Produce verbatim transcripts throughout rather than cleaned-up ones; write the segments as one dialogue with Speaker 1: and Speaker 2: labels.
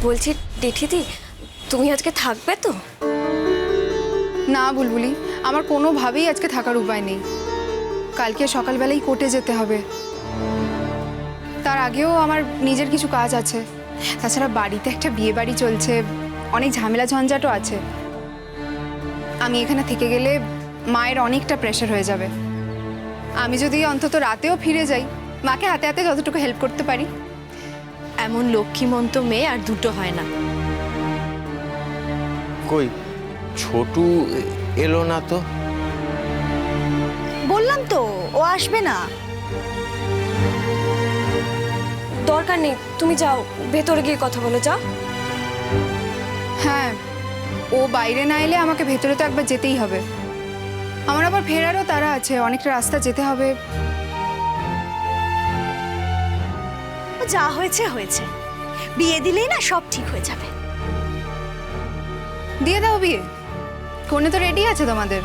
Speaker 1: বলছি জেঠিদি, তুমি আজকে থাকবে তো?
Speaker 2: না বুলবুলি, আমার কোনোভাবেই আজকে থাকার উপায় নেই। কালকে সকালবেলাই কোর্টে যেতে হবে, তার আগেও আমার নিজের কিছু কাজ আছে। তাছাড়া বাড়িতে একটা বিয়ে বাড়ি চলছে, অনেক ঝামেলা ঝঞ্ঝাটও আছে। আমি এখানে থেকে গেলে মায়ের অনেকটা প্রেশার হয়ে যাবে। আমি যদি অন্তত রাতেও ফিরে যাই, মাকে হাতে হাতে যতটুকু হেল্প করতে পারি।
Speaker 1: এমন লক্ষ্মীমন্ত মেয়ে আর দুটো হয় না।
Speaker 3: কই ছোটু এলো না তো?
Speaker 4: বললাম তো ও আসবে না।
Speaker 1: দরকার নেই, তুমি যাও, ভেতরে গিয়ে কথা বলো, যাও।
Speaker 2: হ্যাঁ, ও বাইরে না এলে আমাকে ভেতরে তো একবার যেতেই হবে। আমার আবার ফেরারও তারা আছে, অনেকটা রাস্তা যেতে হবে।
Speaker 4: যা হয়েছে হয়েছে, বিয়ে দিলেই না সব ঠিক হয়ে যাবে।
Speaker 2: দিয়ে দাও বিয়ে, কনে তো রেডি আছে তোমাদের।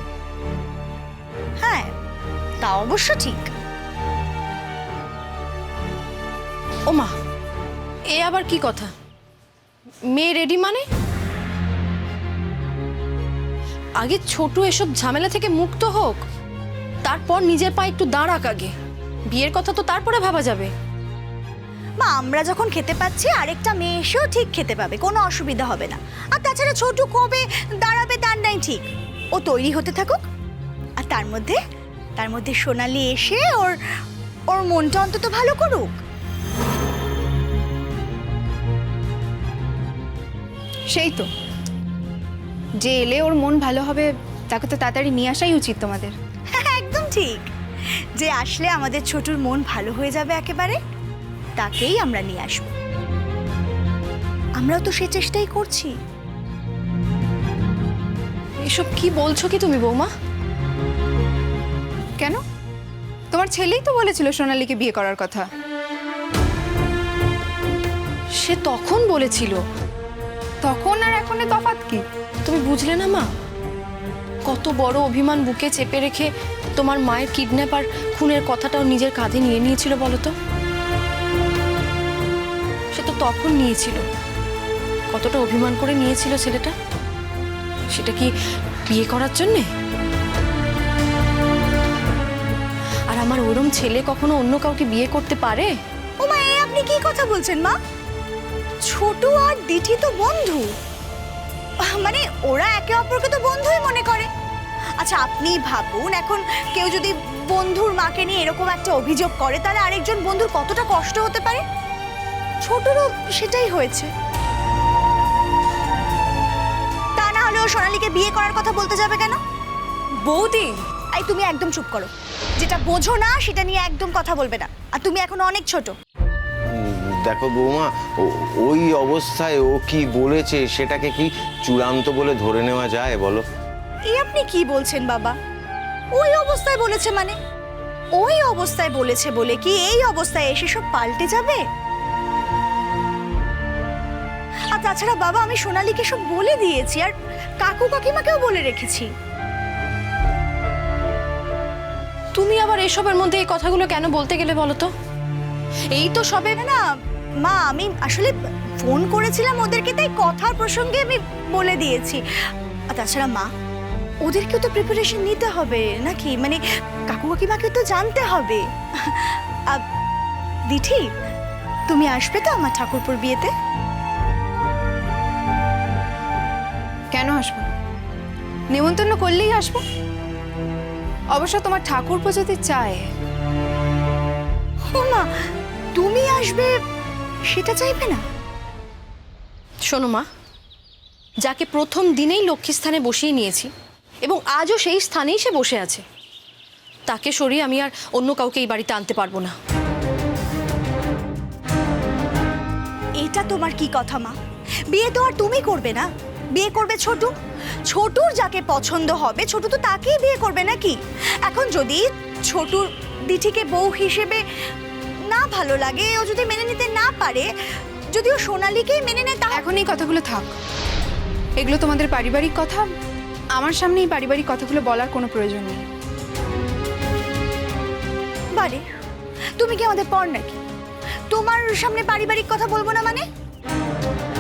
Speaker 4: হ্যাঁ, তা অবশ্য ঠিক।
Speaker 1: ও মা, এ আবার কি কথা? মেয়ে রেডি মানে? আগে ছোট এসব ঝামেলা থেকে মুক্ত হোক, তারপর নিজের পায়ে একটু দাঁড়াক। আগে বিয়ের কথা তো তারপরে ভাবা যাবে।
Speaker 4: মা, আমরা যখন খেতে পাচ্ছি আরেকটা মেয়ে এসেও ঠিক খেতে পাবে, কোনো অসুবিধা হবে না। আর তাছাড়া ছোটু কবে দাঁড়াবে তার নাই ঠিক, ও তৈরি হতে থাকুক। আর তার মধ্যে তার মধ্যে সোনালি এসে ওর ওর মনটা অন্তত ভালো করুক।
Speaker 2: সেই তো, যে এলে ওর মন ভালো হবে তাকে তো তাড়াতাড়ি নিয়ে আসাই উচিত তোমাদের।
Speaker 4: হ্যাঁ, একদম ঠিক। যে আসলে আমাদের ছোটুর মন ভালো হয়ে যাবে একেবারে, তাকেই আমরা নিয়ে আসবো। আমরাও তো সে চেষ্টাই করছি।
Speaker 1: এসব কি বলছো কি তুমি বৌমা?
Speaker 2: কেন? তোমার ছেলেই তো বলেছিল সোনালীকে বিয়ে করার কথা।
Speaker 1: সে তখন বলেছিল।
Speaker 2: তখন আর এখনে তফাৎ কি?
Speaker 1: তুমি বুঝলে না মা, কত বড় অভিমান বুকে চেপে রেখে তোমার মায়ের কিডন্যাপ আর খুনের কথাটাও নিজের কাঁধে নিয়ে নিয়েছিল বলো তো। সে তো তখন নিয়েছিল, কতটা অভিমান করে নিয়েছিল ছেলেটা। সেটা কি বিয়ে করার জন্যে? আর আমার ওরম ছেলে কখনো অন্য কাউকে বিয়ে করতে পারে?
Speaker 4: ও মা, এ আপনি কি কথা বলছেন মা? ছোটু আর দিঠি তো বন্ধু, মানে ওরা একে অপরকে তো বন্ধুই মনে করে। আচ্ছা আপনি ভাবুন, এখন কেউ যদি বন্ধুর মাকে নিয়ে এরকম একটা অভিযোগ করে, তাহলে আরেকজন বন্ধুর কতটা কষ্ট হতে পারে। ছোটুরও সেটাই হয়েছে। তা না হলে ও সোনালীকে বিয়ে করার কথা বলতে যাবে কেন?
Speaker 1: বৌদি,
Speaker 4: এই তুমি একদম চুপ করো। যেটা বোঝো না সেটা নিয়ে একদম কথা বলবে না। আর তুমি এখন অনেক ছোট।
Speaker 3: দেখো বৌমা, ও- ওই অবস্থায় ও কি বলেছে সেটাকে কি চূড়ান্ত বলে ধরে নেওয়া যায় বলো?
Speaker 4: এই আপনি কি বলছেন বাবা? ওই অবস্থায় বলেছে মানে? ওই অবস্থায় বলেছে বলে কি এই অবস্থায় এসে সব পাল্টে যাবে? আর তাছাড়া বাবা, আমি সোনালীকে সব বলে দিয়েছি, আর কাকু কাকিমাকেও বলে রেখেছি।
Speaker 1: তুমি আবার এসবের মধ্যে এই কথাগুলো কেন বলতে গেলে বলো তো? এই তো সবে
Speaker 4: না না মা, আমি আসলে ফোন করেছিলাম ওদেরকে, তাই কথার প্রসঙ্গে আমি বলে দিয়েছি। আর তাছাড়া মা, ওদেরকেও তো প্রিপারেশন নিতে হবে নাকি? মানে কাকু কাকিমাকে তো জানতে হবে। আহ, দিঠি, তুমি আসবে তো আমার ঠাকুরপুর বিয়েতে?
Speaker 2: কেন আসবো? নেমন্তন্ন করলেই আসবো। অবশ্য তোমার ঠাকুরপো যদি চায়।
Speaker 4: ও মা, তুমি আসবে সেটা চাইবে না?
Speaker 1: শোনো মা, যাকে প্রথম দিনেই লক্ষ্মী স্থানে বসিয়ে নিয়েছি এবং আজও সেই স্থানেই সে বসে আছে, তাকে সরিয়ে আমি আর অন্য কাউকে এই বাড়িতে আনতে পারবো না।
Speaker 4: এটা তোমার কি কথা মা? বিয়ে তো আর তুমি করবে না, বিয়ে করবে ছোটু। ছোটুর যাকে পছন্দ হবে ছোটু তো তাকেই বিয়ে করবে নাকি? এখন যদি ছোটুর দিঠিকে বউ হিসেবে না ভালো লাগে, ও যদি মেনে নিতে না পারে, যদি ও সোনালীকেই মেনে নেয়, তাহলে
Speaker 2: এখন এই কথাগুলো থাক। এগুলো তোমাদের পারিবারিক কথা, আমার সামনে এই পারিবারিক কথাগুলো বলার কোনো প্রয়োজন নেই।
Speaker 4: বারে, তুমি কি আমাদের পর নাকি? তোমার সামনে পারিবারিক কথা বলবো না মানে?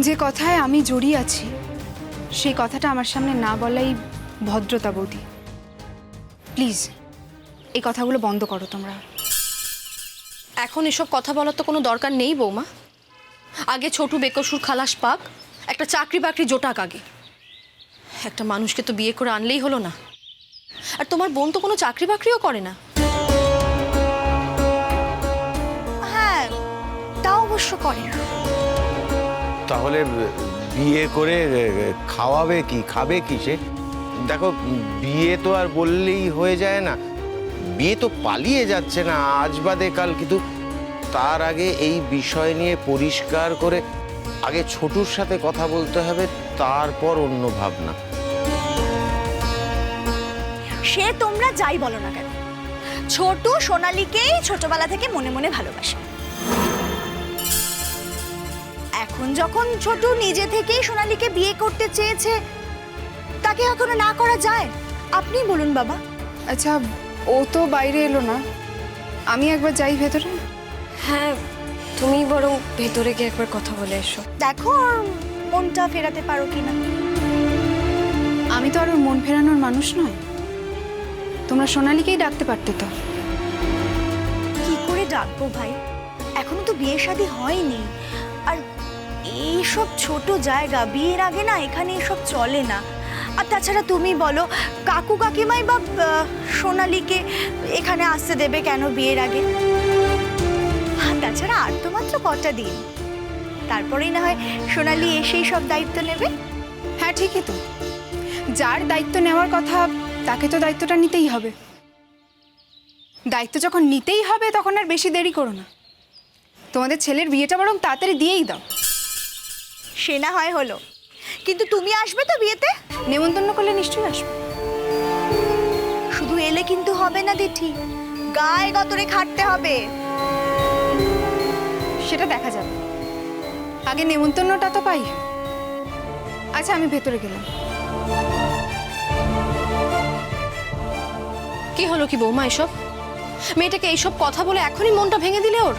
Speaker 2: যে কথায় আমি জড়িয়ে আছি সেই কথাটা আমার সামনে না বলাই ভদ্রতা বৌদি। প্লিজ এই কথাগুলো বন্ধ করো তোমরা।
Speaker 1: এখন এসব কথা বলার তো কোনো দরকার নেই বৌমা। আগে ছোটু বেকসুর খালাস পাক, একটা চাকরি বাকরি জোটাক আগে। একটা মানুষকে তো বিয়ে করে আনলেই হলো না। আর তোমার বোন তো কোনো চাকরি বাকরিও করে না।
Speaker 4: হ্যাঁ, তা অবশ্য করে না।
Speaker 3: তাহলে বিয়ে করে খাওয়াবে কি, খাবে কি সে? দেখো, বিয়ে তো আর বললেই হয়ে যায় না। বিয়ে তো পালিয়ে যাচ্ছে না আজ বাদে কাল, কিন্তু তার আগে এই বিষয় নিয়ে পরিষ্কার করে আগে ছোটুর সাথে কথা বলতে হবে, তারপর অন্য ভাবনা।
Speaker 4: সে তোমরা যাই বলো না কেন, ছোট সোনালীকেই ছোটবেলা থেকে মনে মনে ভালোবাসে। এখন যখন ছোট নিজে থেকেই সোনালীকে বিয়ে করতে চেয়েছে, তাকে এখনো না করা যায়? আপনি বলুন বাবা।
Speaker 2: আচ্ছা, ও তো বাইরে এলো না, আমি একবার যাই ভেতরে।
Speaker 5: হ্যাঁ, তুমি বরং ভেতরে গিয়ে একবার কথা বলে এসো।
Speaker 4: দেখো ওর মনটা ফেরাতে পারো কিনা।
Speaker 2: আমি তো আর ওর মন ফেরানোর মানুষ নয়। তোমরা সোনালীকেই ডাকতে পারতে তো।
Speaker 4: কি করে ডাকবো ভাই, এখনো তো বিয়ে শাদী হয়নি। আর এইসব ছোট জায়গা, বিয়ের আগে না এখানে এসব চলে না। আর তাছাড়া তুমি বলো, কাকু কাকিমাই বা আহ, সোনালীকে এখানে আসতে দেবে কেন বিয়ের আগে? আর তাছাড়া আর তো মাত্র কটা দিন, তারপরেই না হয় সোনালী এসেই সব দায়িত্ব নেবে।
Speaker 2: হ্যাঁ ঠিকই তো, যার দায়িত্ব নেওয়ার কথা তাকে তো দায়িত্বটা নিতেই হবে। দায়িত্ব যখন নিতেই হবে তখন আর বেশি দেরি করো না। তোমাদের ছেলের বিয়েটা বরং তাড়াতাড়ি দিয়েই দাও।
Speaker 4: সে না হয় হলো, কিন্তু তুমি আসবে তো বিয়েতে?
Speaker 2: নেমন্তন্ন করলে নিশ্চয়ই আসবে।
Speaker 4: শুধু এলে কিন্তু হবে না দিঠি, গায়ে গতরে খাটতে হবে।
Speaker 2: সেটা দেখা যাবে, আগে নেমন্তন্নটা তো পাই। আচ্ছা, আমি ভেতরে গেলাম।
Speaker 1: কি হলো কি বৌমা এসব? মেয়েটাকে এইসব কথা বলে এখনই মনটা ভেঙে দিলে ওর?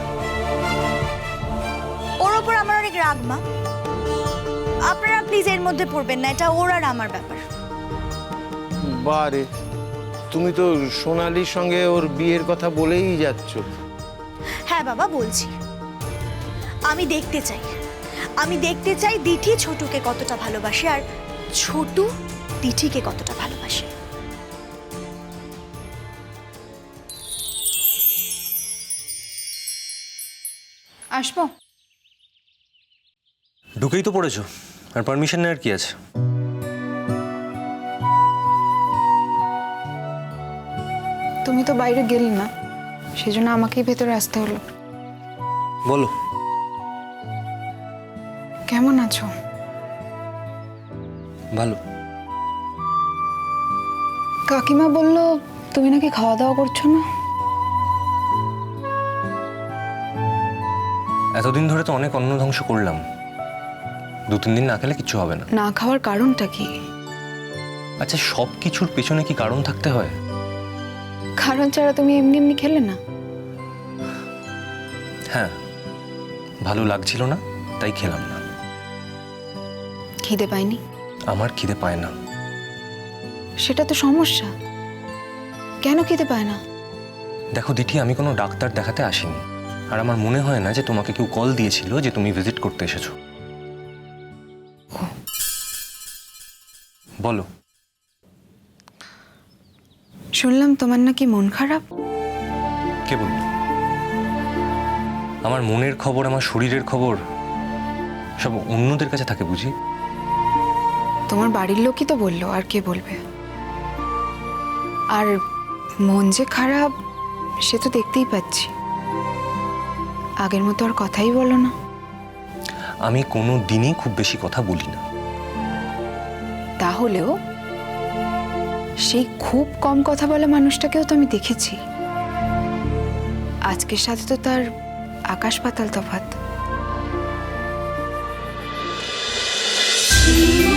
Speaker 4: ওর ওপর আমার অনেক রাগ মা, আপনারা প্লিজ এর মধ্যে পড়বেন না, এটা ওর আর আমার ব্যাপার।
Speaker 3: বারে, তুমি তো সোনালীর সঙ্গে ওর বিয়ের কথা বলেই যাচ্ছ।
Speaker 4: হ্যাঁ বাবা, বলছি। আমি দেখতে চাই, আমি দেখতে চাই দিঠি ছোটুকে কতটা ভালোবাসে আর ছোটু দিঠিকে কতটা ভালোবাসে।
Speaker 2: আসবো?
Speaker 6: ঢুকেই তো পড়েছো, আর পারমিশন নেওয়ার কি আছে?
Speaker 2: তুমি তো বাইরে গেলে না, সেজন্য আমাকেই ভেতরে আসতে হলো।
Speaker 6: বলো।
Speaker 2: কেমন আছো?
Speaker 6: ভালো।
Speaker 2: কাকিমা বলল তুমি নাকি খাওয়া দাওয়া করছো না।
Speaker 6: এতদিন ধরে তো অনেক অন্ন ধ্বংস করলাম, দু তিন দিন না খেলে কিচ্ছু হবে না।
Speaker 2: না খাওয়ার কারণটা কি?
Speaker 6: আচ্ছা, সব কিছুর পেছনে কি কারণ থাকতে হয়?
Speaker 2: কারণ ছাড়া তুমি এমনি এমনি খেলে না?
Speaker 6: হ্যাঁ, ভালো লাগছিল না তাই খেলাম না।
Speaker 2: খিদে পাইনি?
Speaker 6: আমার খিদে পায় না।
Speaker 2: সেটা তো সমস্যা। কেন খিদে পায় না?
Speaker 6: দেখো দিঠি, আমি কোনো ডাক্তার দেখাতে আসিনি, আর আমার মনে হয় না যে তোমাকে কেউ কল দিয়েছিল যে তুমি ভিজিট করতে এসেছো। বলো।
Speaker 2: শুনলাম তোমার নাকি মন খারাপ।
Speaker 6: কে বলল? আমার মনের খবর, আমার শরীরের খবর সব অন্যদের কাছে থাকে বুঝি?
Speaker 2: তোমার বাড়ির লোকই তো বললো, আর কে বলবে? আর মন যে খারাপ সে তো দেখতেই পাচ্ছি। আগের মতো আর কথাই বলো না।
Speaker 6: আমি কোনো দিনই খুব বেশি কথা বলি না।
Speaker 2: তাহলেও সেই খুব কম কথা বলা মানুষটাকেও তো আমি দেখেছি। আজকের সাথে তো তার আকাশ পাতাল তফাৎ।